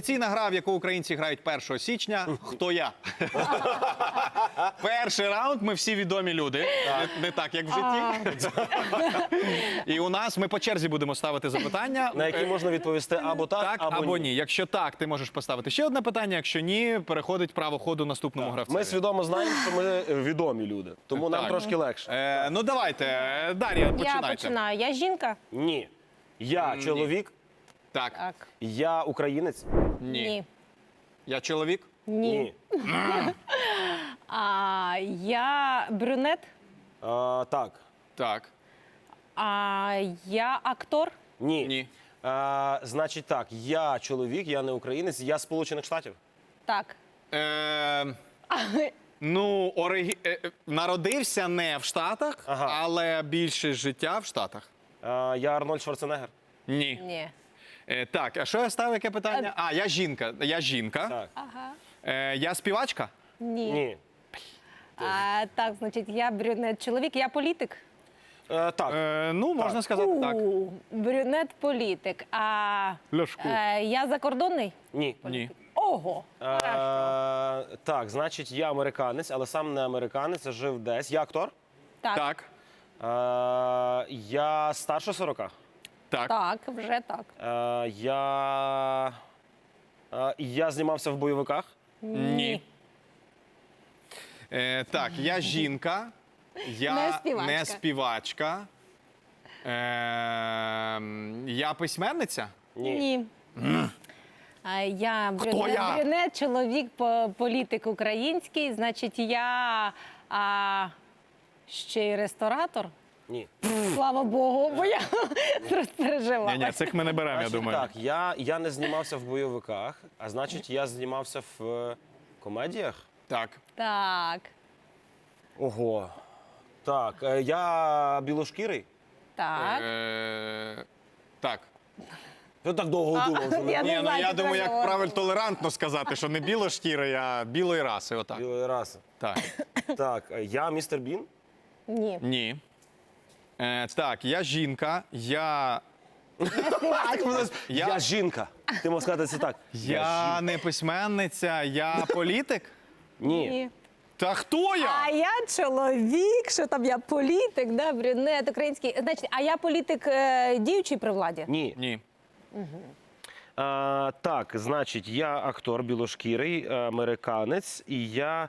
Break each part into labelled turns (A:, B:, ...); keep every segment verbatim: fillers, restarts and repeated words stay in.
A: Традиційна гра, в яку українці грають першого січня. Хто я? Перший раунд, ми всі відомі люди. Не, не так, як в житті. І у нас ми по черзі будемо ставити запитання.
B: На які можна відповісти або так,
A: Так
B: або,
A: або
B: ні.
A: ні. Якщо так, ти можеш поставити ще одне питання. Якщо ні, переходить право ходу наступному гравцю.
B: Ми свідомо знаємо, що ми відомі люди, тому нам
A: Так.
B: трошки легше.
A: Е, ну давайте, Дар'я, починайте.
C: Я починаю. Я жінка?
B: Ні. Я чоловік,
A: Так.
C: Так.
B: я українець.
A: Ні.
C: Ні.
A: Я чоловік?
C: Ні. А, я брюнет?
B: А, так.
A: Так.
C: А, я актор?
B: Ні.
A: Ні.
B: А, значить так, я чоловік, я не українець, я з Сполучених Штатів.
C: Так.
A: Е, ну, ориг... е, е, народився не в Штатах,
B: Ага.
A: але більше життя в Штатах.
B: А, я Арнольд Шварценеггер.
A: Ні.
C: Ні.
A: Е, так, а що я ставив, яке питання? А, я жінка. Я жінка.
B: Так.
C: Ага.
A: Е, я співачка?
C: Ні.
B: Ні.
C: А, так, значить, я брюнет чоловік, я політик?
B: Е, так.
A: Е, ну, можна сказати так.
C: У, брюнет політик. А
A: Ляшко.
C: е, я закордонний?
B: Ні.
A: Ні.
C: Ого.
B: Е, так, значить, я американець, але сам не американець, а жив десь. Я актор.
C: Так.
A: Так.
B: Е, я старше сорока.
A: Так.
C: Так, вже так.
B: Е, я... Е, я знімався в бойовиках.
A: Ні. Е, так, я жінка. Я
C: Не співачка.
A: не співачка. Е, я письменниця?
C: Ні. А, я брюнет,
A: я?
C: брюнет, чоловік, по- політик український, значить, я а, ще й ресторатор.
B: Ні.
C: Слава Богу, бо я розпереживала.
A: Ні, ні, цих ми не беремо, я
B: Значить,
A: думаю.
B: так, я, я не знімався в бойовиках, а значить, я знімався в е, комедіях.
A: Так.
C: Так,
B: Ого. Так, е, я білошкірий.
C: так.
A: Е, так.
B: Я так довго думав, що
C: я
B: не
A: Ні,
C: не
A: ну
C: знаю,
A: я
C: чи
A: думаю, як
C: треба
A: правильно толерантно сказати, що не білошкірий, а білої раси. Отак.
B: білої раси.
A: Так.
B: Так, е, я містер Бін.
C: Ні.
A: Ні. Е, так, я жінка, я.
B: Я,
A: Я-
B: жінка. Ти можеш сказати це так.
A: Я не письменниця, я політик.
B: Ні.
C: Ні.
A: Та хто я?
C: А я чоловік, що там я політик, да, брюнет український. Значить, а я політик е, діючий при владі?
B: Ні.
A: Ні.
B: А, так, значить, я актор білошкірий, е, американець, і я.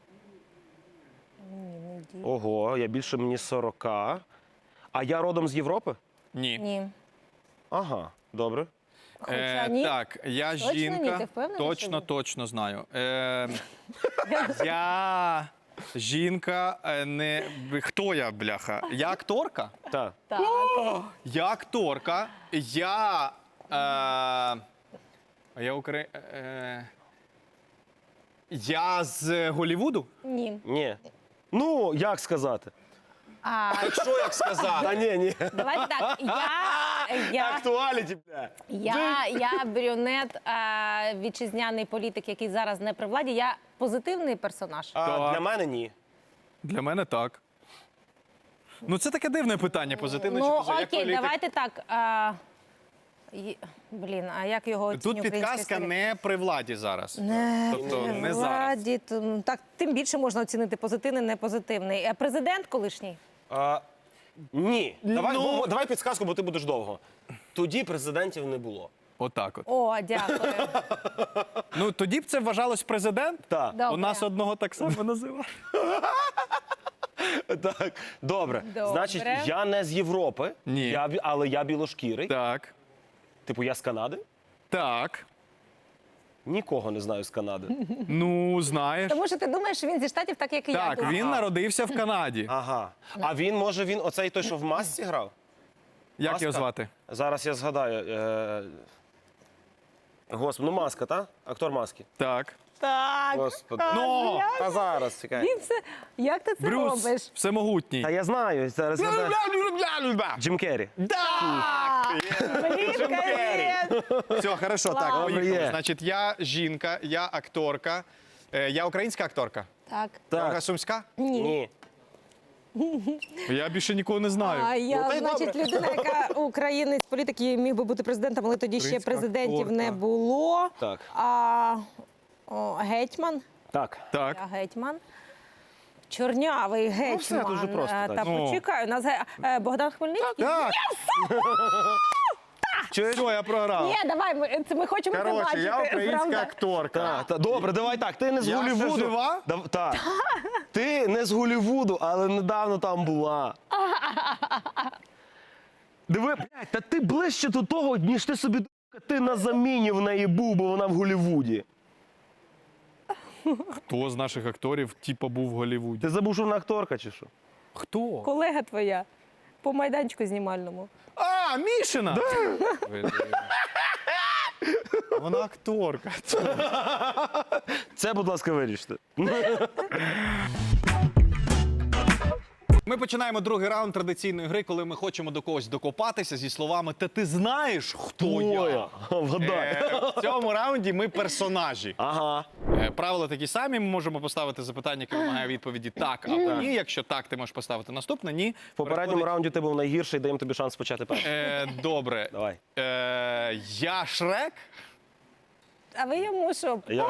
B: Ого, я більше мені сорока. А я родом з Європи?
A: Ні.
C: Ні.
B: Ага, добре.
C: Хоча
A: Е,
C: ні.
A: так, я
C: Точно ні?
A: жінка.
C: Ти впевнений,
A: точно,
C: що ні?
A: точно знаю. Е, я жінка, е, не. Хто я, бляха? Я акторка?
B: Так.
C: Так.
A: Я акторка. Я. Е, я Украї... Е, я з Голлівуду?
C: Ні.
B: Ні. Ну, як сказати?
C: А,
A: Що як сказати?
B: Та ні, ні.
C: давайте так. Я, я,
B: Актуаліті, бля.
C: я, я брюнет, а, вітчизняний політик, який зараз не при владі. Я позитивний персонаж.
B: А,
A: Так.
B: для мене ні.
A: Для мене так. Ну, це таке дивне питання, позитивне чи
C: Ну,
A: позитивне. Як
C: окей,
A: політик?
C: давайте так. А, й- блін, а як його
A: Тут
C: оцінює
A: підказка
C: українська історія?
A: не при владі зараз.
C: Не
A: Тобто
C: при
A: не зараз.
C: владі, то, так, тим більше можна оцінити позитивний, не позитивний. А президент колишній?
B: А, ні. Давай,
A: Ну.
B: бо- давай підсказку, бо ти будеш довго. Тоді президентів не було.
A: Отак от.
C: О, дякую.
A: Ну, тоді б це вважалось президент.
B: Так.
C: Добре.
A: У нас одного так само називали.
B: Так, добре.
C: Добре.
B: Значить, я не з Європи,
A: Ні.
B: Я, бі- але я білошкірий.
A: Так.
B: Типу, я з Канади?
A: Так.
B: Нікого не знаю з Канади.
A: Ну, знаєш.
C: Тому що ти думаєш, що він зі Штатів, так як і я.
A: Так,
C: думаю.
A: він народився в Канаді.
B: Ага. А він, може, він оцей той, що в масці грав?
A: Як
B: Маска?
A: його звати?
B: Зараз я згадаю. Е... Господи, ну маска, та? Актор маски.
A: Так.
C: Так.
B: Господи.
C: так,
A: Ну,
C: я-
B: Та зараз, чекай.
C: Він все... Як ти це
A: Брюс
C: робиш?
A: всемогутній.
B: Та я знаю, зараз згадаю. Джим Керрі.
C: Блін, Карін!
A: Все, хорошо, так,
C: Клас.
A: поїхали.
B: Є.
A: Значить, я жінка, я акторка. Е, Я українська акторка.
C: Так.
A: Ольга
B: Так.
A: Сумська?
C: Ні.
B: Ні.
A: Я більше нікого не знаю.
C: А я,
B: Ну, та й
C: значить,
B: добре.
C: людина, яка українець політик, міг би бути президентом, але тоді ще
A: Українська
C: президентів
A: акторка.
C: не було.
B: Так.
C: А о, гетьман.
B: Так.
A: Так.
C: Я гетьман. Чорнявий гетьман.
B: все дуже просто,
C: Е,
B: так.
C: Та
A: Ну.
C: почекай, у нас ге- е, Богдан Хмельницький.
A: Так.
B: Чуєш?
A: Все, я програв.
C: Ні, давай, ми, це ми хочемо це
A: Коротше,
C: бачити.
A: я українська
C: правда?
A: акторка.
B: Так, та, добре, давай так. Ти не з
A: Я ще
B: Голлівуду.
A: жива?
B: Дав- так. Ти не з Голлівуду, але недавно там була. Диви, блядь, та ти ближче до того, ніж ти собі думав, ти на заміні в неї був, бо вона в Голлівуді.
A: Хто з наших акторів, типа, був в Голлівуді?
B: Ти забув, що вона акторка чи що?
A: Хто?
C: Колега твоя по майданчику знімальному.
A: А, Мішина! Блін. Вона акторка.
B: Це, будь ласка, виріште.
A: Ми починаємо другий раунд традиційної гри, коли ми хочемо до когось докопатися зі словами «Та ти знаєш, хто я?».
B: Вгадай.
A: Е, В цьому раунді ми персонажі.
B: Ага.
A: Е, Правила такі самі. Ми можемо поставити запитання, яке вимагає відповіді так або ні. Якщо так, ти можеш поставити наступне. Ні.
B: В попередньому
A: Переходить-
B: раунді ти був найгірший, даємо тобі шанс почати перший.
A: Е, Добре.
B: Давай.
A: Е, Я Шрек.
C: А ви йому що?
B: Я...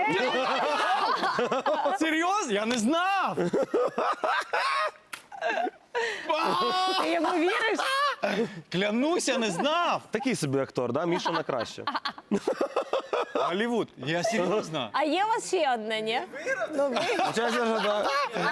A: Серйозно? Я не знав.
C: Ти йому віриш?
A: Клянуся, не знав.
B: Такий собі актор, да? Міша на краще.
A: Голлівуд. Я серйозно.
C: А є у вас ще одне, ні? Ну, ви...
B: Чесно, що да.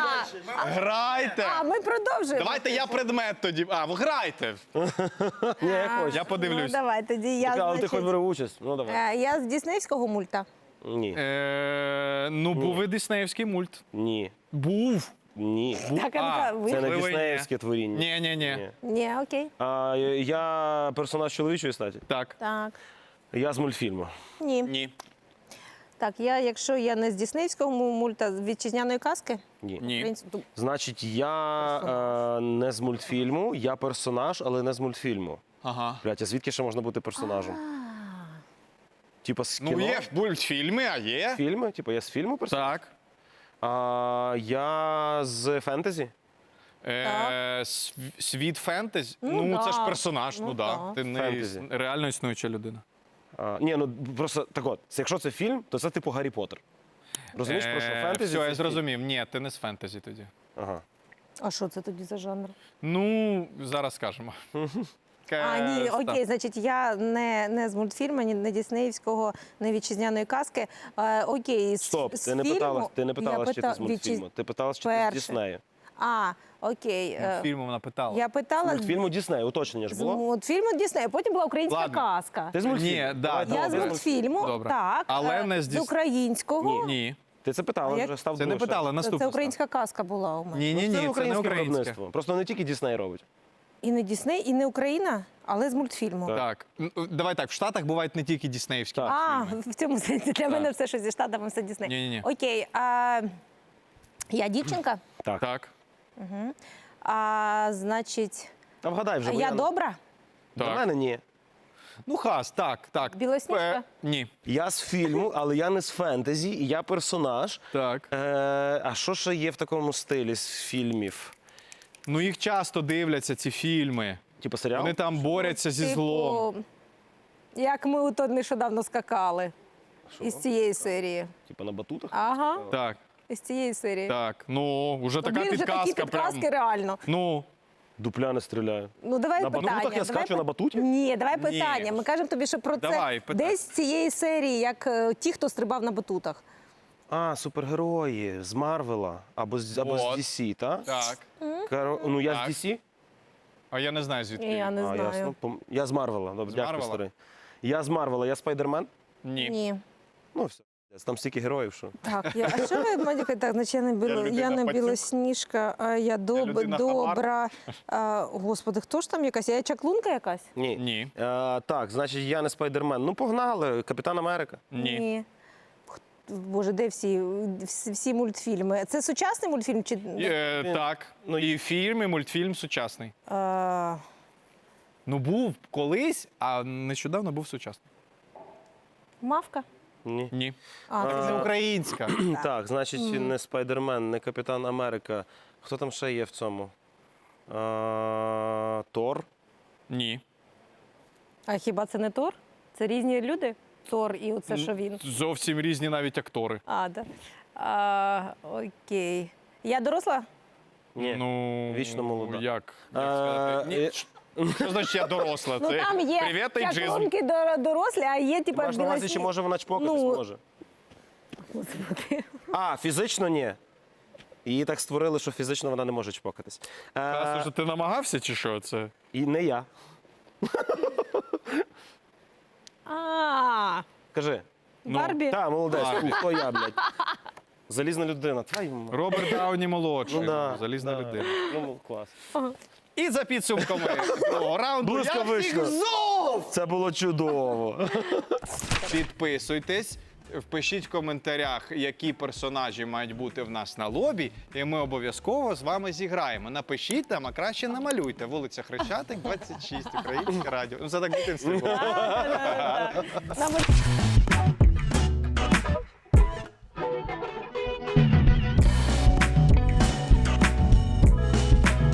A: Грайте.
C: А ми продовжуємо.
A: Давайте я предмет тоді. А, ви грайте.
B: Ні, як хочеш.
A: Я
C: Ну,
A: подивлюсь.
C: давай, тоді я,
B: Але ти
C: значить,
B: хоч бери участь. Ну, давай.
C: е, я з діснеївського мульта.
B: Ні.
A: Е, Ну, був і диснеївський мульт.
B: Ні.
A: Був.
B: Ні.
C: Так,
A: А,
C: Анка, ви...
B: Це не
A: Можливо, і ні.
B: діснеївське творіння.
A: Ні, ні, ні.
B: Ні.
C: Ні, окей.
B: А, я персонаж чоловічої статі.
A: Так.
C: Так.
B: Я з мультфільму.
C: Ні.
A: Ні.
C: Так, я, якщо я не з діснеївського мульта, з вітчизняної казки?
B: Ні.
A: Ні.
C: Українсь- ну,
B: Значить, я е, не з мультфільму, я персонаж, але не з мультфільму.
A: Ага.
B: Блять, а звідки ще можна бути персонажем? Типа з кіно?
A: Ну, є мультфільми, а є.
B: Фільми? Типа я з фільму персонаж?
A: Так.
B: А, я з фентезі?
A: Е, св- Світ фентезі.
C: Ну,
A: Ну, це
C: да.
A: ж персонаж, ну
C: Ну,
A: да.
C: да.
A: Ти не
B: Фентезі.
A: іс- реально існуюча людина.
B: А, ні, ну просто так от, це- якщо це фільм, то це типу Гаррі Поттер. Розумієш, про що
A: Е,
B: фентезі?
A: Все,
B: це
A: я
B: фільм.
A: зрозумів. Ні, ти не з фентезі тоді.
B: Ага.
C: А що це тоді за жанр?
A: Ну, зараз скажемо.
C: А, ні,
A: Е,
C: окей, значить, я не, не з мультфільму, ні не діснеївського, не вітчизняної казки. Е, окей, з,
B: Стоп,
C: з
B: ти не
C: фільму
B: питала, ти не
C: я
B: питала, чи ти
C: пита-
B: з мультфільму.
C: вітчиз-
B: Ти питала, чи ти з
C: Перше.
B: Діснею.
C: А, окей. е,
A: Фільму вона питала.
C: Я питала
B: З мультфільму Дісней, уточнення ж
C: з
B: було?
C: мультфільму Діснею, потім була українська
A: Ладно.
C: казка.
B: Ти з мультфільму?
A: Ні, да,
B: Давай,
A: да,
C: Я
B: давай,
C: з
B: ти
A: добре.
C: мультфільму,
A: Добре.
C: так.
A: Але
C: е,
A: не з
C: з
A: Діс-
C: українського.
A: Ні.
B: Ти це питала,
C: А як?
B: вже став
A: Це не
B: думати,
A: питала,
C: Це,
A: наступне.
C: це українська казка була у мене.
A: Ні, ні,
B: що-
A: ні,
B: Це
A: це не
B: українське
A: українське.
B: виробництво. Просто не тільки Дісней робить.
C: І не Дісней, і не Україна, але з мультфільму.
B: Так.
A: Так, ну, давай так, в Штатах бувають не тільки діснеївські.
B: Так.
C: А, в цьому сенсі для мене все, що зі Штатами, все Дісней.
A: Ні-ні-ні.
C: Окей, а, я дівчинка,
B: Так.
A: Так,
C: а значить,
B: А вгадай вже, бо
C: я добра?
B: До
A: так.
B: мене ні.
A: Ну, хас, так, так.
C: Білосніжка?
A: Е, Ні.
B: Я з фільму, але я не з фентезі, і я персонаж.
A: Так.
B: Е, а що ще є в такому стилі з фільмів?
A: Ну, їх часто дивляться, ці фільми.
B: Типу серіал?
A: Вони там борються зі злом.
C: Типу, як ми ото нещодавно скакали із цієї серії.
B: Типу на батутах?
C: Ага,
A: Так,
C: із цієї серії.
A: так. Ну, вже така
C: Блін, вже такі
A: підказка
C: підказки
A: прям.
C: реально.
A: Ну,
B: Дупля не стріляю.
C: Ну, давай
B: На
C: питання.
B: батутах я
C: давай
B: скачу на
C: пи-
B: батуті?
C: Ні, давай питання. Ми кажемо тобі, що про
A: Давай,
C: це
A: питай.
C: десь з цієї серії, як е, ті, хто стрибав на батутах.
B: А, супергерої з Марвела або з, або
A: Вот.
B: з Ді Сі, так?
A: так.
B: Каро... Ну, я
A: Так.
B: з Ді Сі?
A: А я не знаю, звідки.
C: Я не
B: а,
C: знаю.
B: ясно. Пом- Я з Марвела. Добре,
A: З
B: дякую,
A: Марвела?
B: старий. Я з Марвела, я Спайдермен.
A: Ні.
C: Ні.
B: Ну, все. Там стільки героїв, що.
C: Так, я, а що ви, Мадюка, так, значить, я не, біло,
A: людина
C: я не
A: пацюк.
C: білосніжка, а я доб,
A: людина
C: добра. А, господи, хто ж там якась? Я чаклунка якась?
B: Ні.
A: Ні.
B: Е, так, значить, я не Спайдермен. Ну, погнали, Капітан Америка.
A: Ні.
C: Х- Боже, де всі, всі, всі мультфільми? Це сучасний мультфільм? Чи...
A: Е, так. Ну, і фільм, і мультфільм сучасний.
C: А,
A: Ну, був колись, а нещодавно був сучасний.
C: Мавка?
B: Ні.
A: Ні.
C: А,
A: Це не українська.
B: Так, значить, не Спайдермен, не Капітан Америка. Хто там ще є в цьому? А, Тор.
A: Ні.
C: а хіба це не Тор? Це різні люди? Тор і оце, що він.
A: Зовсім різні навіть актори.
C: А, да. А, окей. Я доросла?
B: Ні.
A: Ну,
B: Вічно молода.
A: Як? Як
B: А,
A: сказати? Ні.
B: е,
A: Що значить я доросла?
C: Ну
A: Це
C: там є
A: привіт, ейджизм.
C: чаклунки дор- дорослі, а є типа
B: Маєш на увазі, чи може вона чпокатись?
C: Ну,
B: Може. А, фізично ні. Її так створили, що фізично вона не може чпокатись.
A: Та,
B: Е,
A: слушай, ти намагався чи що це?
B: і не я.
C: А,
B: Кажи.
A: Ну,
C: Барбі?
B: Та, молодець.
A: Барбі.
B: Хто я, блядь? Залізна людина. Твою мать.
A: Роберт Дауні молодший,
B: Ну, да,
A: залізна
B: да.
A: людина.
B: Ну, клас.
A: І за підсумками другого раунду я
B: Блискавично.
A: всіх зов!
B: Це було чудово.
A: Підписуйтесь, впишіть в коментарях, які персонажі мають бути в нас на лобі, і ми обов'язково з вами зіграємо. Напишіть там, а краще намалюйте. Вулиця Хрещатик, двадцять шість, Українське радіо. Ну, це так дитинство було.
C: да, да, да. Нам